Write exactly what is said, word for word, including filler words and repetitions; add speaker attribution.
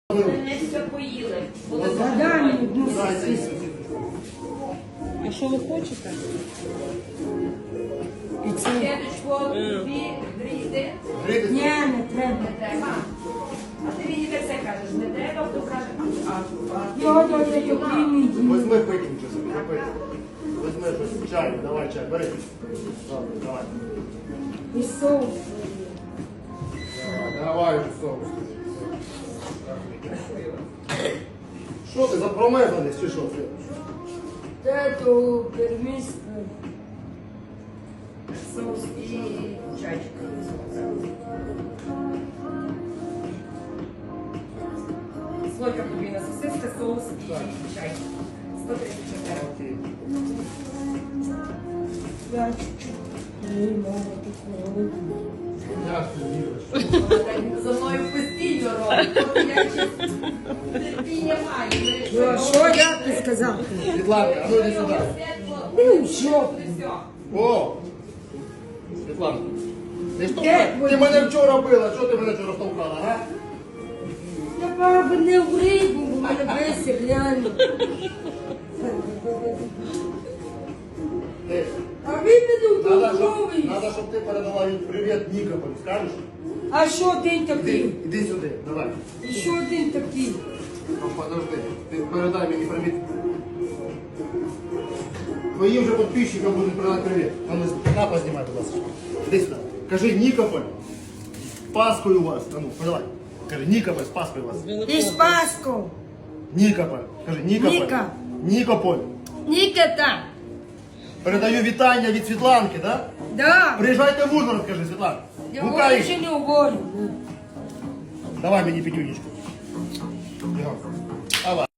Speaker 1: Не все поїли. Були
Speaker 2: Дай мені одну
Speaker 1: забувані.
Speaker 2: сосиску.
Speaker 3: А що ви хочете?
Speaker 2: І це.
Speaker 1: Дедочко, дві, гріти.
Speaker 2: Ні, не треба.
Speaker 1: Не треба. А ти мені все кажеш, не треба, хто каже, а, а, а ти
Speaker 2: Його
Speaker 1: мені
Speaker 2: дали
Speaker 1: приймав.
Speaker 2: топлінний дім.
Speaker 4: Возьми пикнем щось собі, запити. Возьми щось, чай, давай чай, бери. Добре, давай.
Speaker 2: І соус.
Speaker 4: Давай, давай вже соус. Що ти, запромерзаність чи що?
Speaker 2: Це то первіс.
Speaker 1: Соус і чайчик. Слойка подвійна сосиска, соус і чай. сто тридцять чотири.
Speaker 4: Окей.
Speaker 2: Я чуть-чуть. Ні, мама, тут не
Speaker 4: Я віриш.
Speaker 1: За мною постійно робить. Тобто я ще терпіння маю.
Speaker 2: Ну, а що я ти сказав?
Speaker 4: Світланка, а ну йди сюди.
Speaker 2: Ну, що?
Speaker 4: О! Світланка. Ти, що,
Speaker 2: Де
Speaker 4: ти мене вчора била, чого ти мене вчора штовхала, а?
Speaker 2: Я баба не в рибу, бо мене бесить, реально.
Speaker 4: Ти,
Speaker 2: А ви мене
Speaker 4: Надо, щоб,
Speaker 2: вдовговуєш.
Speaker 4: надо, щоб ти передала їй привіт Нікополю, скажеш?
Speaker 2: А що один
Speaker 4: Іди,
Speaker 2: такий?
Speaker 4: іди сюди, давай.
Speaker 2: І що один такий?
Speaker 4: Ну, подожди, ти передай мені привіт. Твоїм же підписчикам будуть передати привіт. А ну, на, познімай, будь ласка. Іди сюди. Кажи, Нікополь, з Паскою вас. А ну, подавай. Кажи, Нікополь, з Паскою вас.
Speaker 2: І з Паском.
Speaker 4: Нікополь. Кажи, Нікополь.
Speaker 2: Ніка.
Speaker 4: Нікополь.
Speaker 2: Нікета.
Speaker 4: Передаю вітання від Світланки, да?
Speaker 2: Да.
Speaker 4: Приїжджайте в Ужгород, кажи, Світлана.
Speaker 2: Я
Speaker 4: Гукай.
Speaker 2: більше не говорю.
Speaker 4: Давай мені п'ятюнечку. Бігом. Давай.